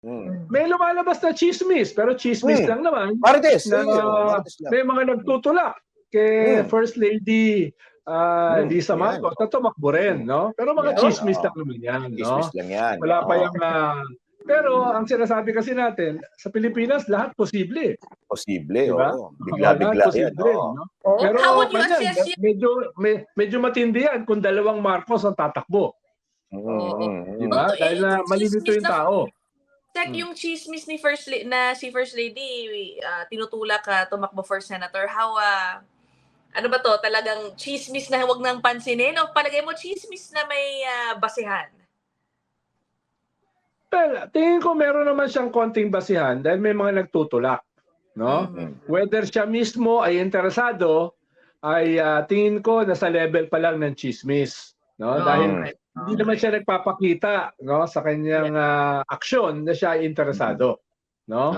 May lumalabas na chismis, pero chismis lang naman. Marites. Na Marites lang. may mga nagtutulak kay First Lady Lisa Marcos na tumakbo rin, no? Pero mga chismis lang naman yan, no? Chismis lang yan. Wala pa yung... pero ang sinasabi kasi natin, sa Pilipinas, lahat posible. Posible, diba? oo. Bigla-bigla yan. No? Pero medyo matindi yan kung dalawang Marcos ang tatakbo. Diba? Dahil na malilito yung tao. Yung chismis ni si First Lady tinutulak tumakbo for senator, how ano ba to, talagang chismis na huwag nang pansinin o palagay mo chismis na may basehan? Well, tingin ko meron naman siyang konting basihan dahil may mga nagtutulak, no? Whether siya mismo ay interesado, ay tingin ko nasa level pa lang ng chismis, no? Dahil hindi naman siya nagpapakita, no, sa kanyang aksyon na siya ay interesado, no?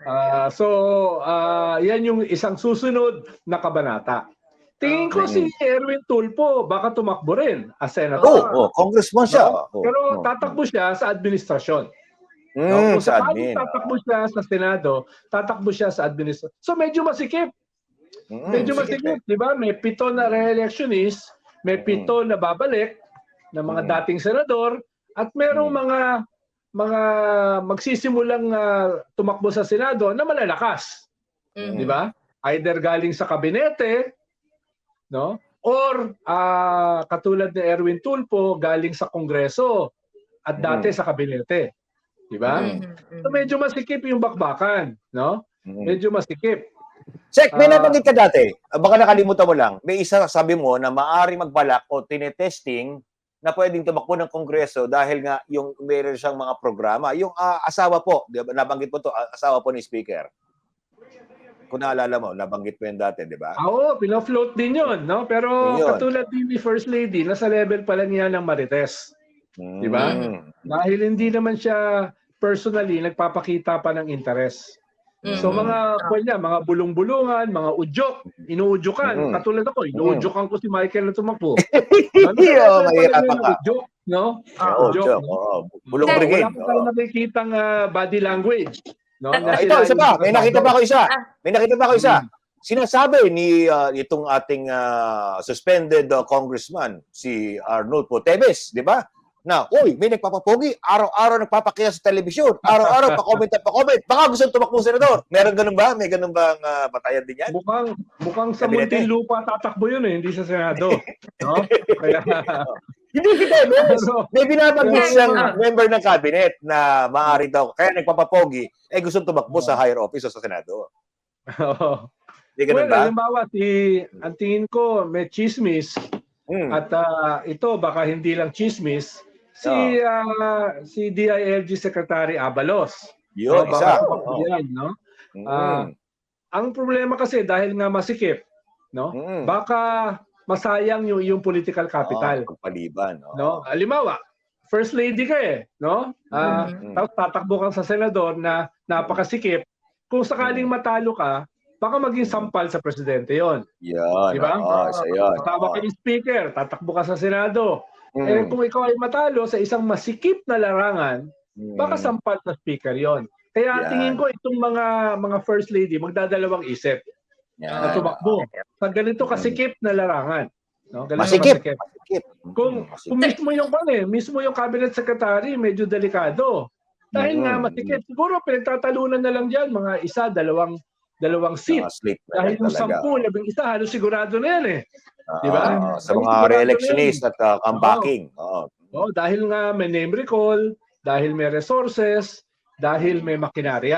Yan yung isang susunod na kabanata. Tingin ko si Erwin Tulfo baka tumakbo rin as senator. Congressman siya. Pero tatakbo siya sa administrasyon. Kung sakaling tatakbo siya sa Senado, tatakbo siya sa administrasyon. So medyo masikip. Medyo masikip, di ba? May 7 na re-electionist, may 7 na babalik na mga dating senador, at merong mga magsisimulang tumakbo sa Senado na malalakas. Di ba? Either galing sa kabinete, no? Or katulad ni Erwin Tulfo galing sa Kongreso at dati sa kabinete, di ba? So medyo masikip yung bakbakan, no? Medyo masikip. Sek, may nabanggit ka dati. Baka nakalimutan mo lang. May isa sabi mo na maaari magbalak o tinetesting na pwedeng tumakbo ng Kongreso dahil nga yung meron siyang mga programa. Yung asawa po, di ba? Nabanggit mo to, asawa po ni Speaker. Kung naalala mo, nabanggit mo yun dati, di ba? Oo, pina-float din yun, no? Pero katulad din ni First Lady, nasa level pa lang yan ng Marites. Di ba? Dahil hindi naman siya personally nagpapakita pa ng interest. So mga bulong-bulungan, mga udyok, inuudyokan. Katulad ako, inuudyokan ko si Michael na tumakbo. Udyok, no? Udyok. Bulong brigade. Wala pa tayo nakikitang body language. No? Ito, isa pa. May nakita pa ako isa. Sinasabi ni itong ating suspended congressman, si Arnold Potebes, di ba? Na, uy, may nagpapapogi, araw-araw nagpapakita sa telebisyon, araw-araw pa-comment. Baka gusto tumakbo senador. Meron ganun ba? May ganun bang batayan din yan? Mukhang sa Muntinlupa tatakbo yun hindi sa Senado. No? Kaya... Hindi kita, may binabanggit siyang member ng cabinet na maaari daw, kaya nagpapapogi, gusto tumakbo sa higher office o sa Senado. Halimbawa, ang tingin ko may chismis at ito baka hindi lang chismis, si DILG Secretary Abalos. Yun, isa. Ang problema kasi dahil nga masikip, no? Baka masayang yung political capital. Paliban. No? Halimbawa, First Lady ka no? Tapos tatakbo kang sa senador na napakasikip. Kung sakaling matalo ka, baka maging sampal sa presidente yon. Yan. Di ba? Tawag ka yung speaker, tatakbo ka sa Senado. Kung ikaw ay matalo sa isang masikip na larangan, baka sampal sa speaker yon. Kaya tingin ko itong mga First Lady magdadalawang isip. Na tumakbo sa ganito kasikip na larangan, no? Masikip. Kung mismo yung cabinet secretary medyo delikado. Dahil nga masikip, siguro pinagtatalunan na lang diyan mga isa, dalawang seat. Dahil yung 10, 11 halos sigurado na yan di ba? Sa mga re-electionist at comebacking. Dahil nga may name recall, dahil may resources, dahil may makinarya.